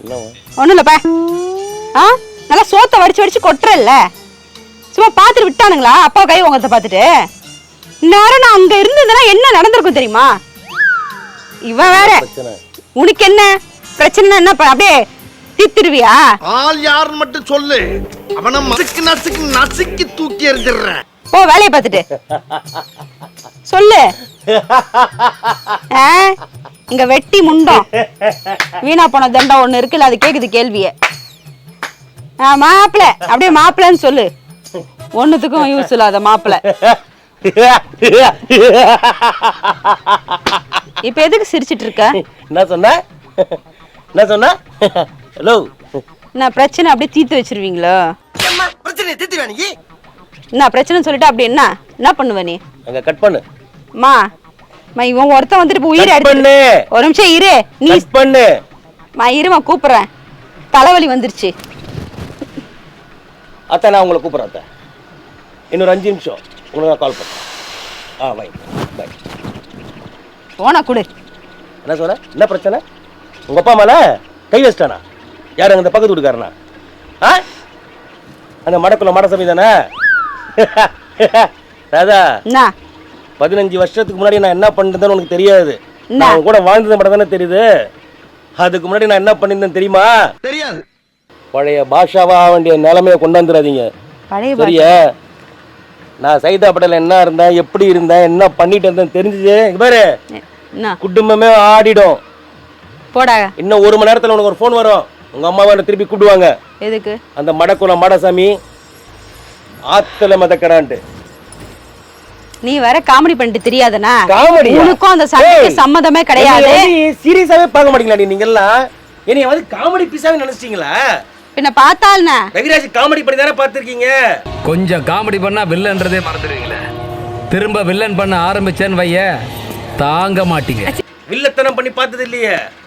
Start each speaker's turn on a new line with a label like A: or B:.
A: ஒண்ணும் இல்லப்பா. நல்லா சோத்த வடிச்சு கொட்டுறல்ல, சும்மா பாத்துட்டு விட்டானுங்களா அப்பா கை உங்கத்த பாத்துட்டு? நேரம் நான் அங்க இருந்ததுன்னா என்ன நடந்திருக்கும் தெரியுமா? இவன் வேற உனக்கு என்ன பிரச்சனை? என்ன அப்படியே தீத்துருவியா?
B: ஆள் யாருன்னு மட்டும் சொல்லு, அவனை மசுக்கு நசுக்கு நசுக்கி தூக்கி எறிஞ்சிடுறேன்.
A: ஓ வேலையை பார்த்துட்டு சொல்லு. இங்க வெட்டி முண்டம் வீணா போன தண்டம் ஒண்ணு இருக்குல்ல, அது கேக்குது கேள்விய. மாப்பிள்ள அப்படியே மாப்பிள்ளன்னு சொல்லு, ஒண்ணுத்துக்கும் யூஸ் இல்லாத மாப்பிள்ள. இப்ப எதுக்கு சிரிச்சிட்டு இருக்க?
C: என்ன சொன்ன? என்ன சொன்ன? ஹலோ,
A: நான் பிரச்சனை அப்படியே தீர்த்து வச்சிருவீங்களோ?
B: பிரச்சனை தீர்த்து வேணி
A: நான் பிரச்சனை சொல்லிட்டு அப்படி என்ன பண்ணுவ நீ?
C: அங்க கட் பண்ணு.
A: மா இவன் ஒருத்தன் வந்துட்டு உயிரை எடுத்து. ஒரு நிமிஷம் இரு, நீ
C: பண்ணு.
A: இருமா கூப்பிடுறேன், தலைவலி வந்துருச்சு.
C: அத்தை நான் உங்களை கூப்பிடுறேன் அத்தை. இன்னொரு 5 நிமிஷம் உங்களுக்கு நான் கால் பண்ணுறேன். Bye bye.
A: போனா கொடு.
C: என்ன சொல்ற? என்ன பிரச்சனை? உங்க அப்பா மேல கை வச்சிட்டானா? யாரு அந்த பக்கத்து வீட்டுக்காரனா? அந்த மடக்குள்ள மடசாமி தானே? ராதா, 15 வருஷத்துக்கு முன்னாடி நான் என்ன பண்ணிருந்தேன்னு உனக்கு தெரியாது. நான் கூட வாழ்ந்தது மட்டும் தானே தெரியுது. அதுக்கு முன்னாடி நான் என்ன பண்ணிருந்தேன் தெரியுமா?
B: தெரியாது.
C: பழைய பாஷாவா வேண்டிய நிலைமையை கொண்டாந்துடாதீங்க, சரியா? நான் சைதாப்பேட்டையில என்ன இருந்தேன், எப்படி இருந்தேன், என்ன பண்ணிட்டு இருந்தேன் தெரிஞ்சுது பாரு, குடும்பமே ஆடிடும்.
A: போடா.
C: இன்னும் 1 மணி நேரத்துல உனக்கு ஒரு போன் வரும். உங்க அம்மாவை திருப்பி கூப்பிடுவாங்க.
A: எதுக்கு? அந்த
C: மடக்குள்ள மடசாமி ஆத்துல மதக்கறான்ட்டு.
A: நீ வேற காமெடி பண்ணிட்டு தெரியாதனா?
C: காமெடி
A: உனக்கும் அந்த சண்டைக்கு சம்மதமே கிடையாது.
C: சீரியஸாவே பார்க்க மாட்டீங்களா நீங்க எல்லாம்? என்னைய வந்து காமெடி பீஸாவே நினைச்சிட்டீங்களா?
A: பின்ன பார்த்தால்னா
C: ரவிராஜ் காமெடி பண்ணி தானே பார்த்திருக்கீங்க.
D: கொஞ்சம் காமெடி பண்ணா வில்லன்றதே மறந்துடுவீங்களே. திரும்ப வில்லன் பண்ண ஆரம்பிச்சேன்னு வைய தாங்க மாட்டீங்க.
C: வில்லத்தனம் பண்ணி பார்த்தது இல்லையே.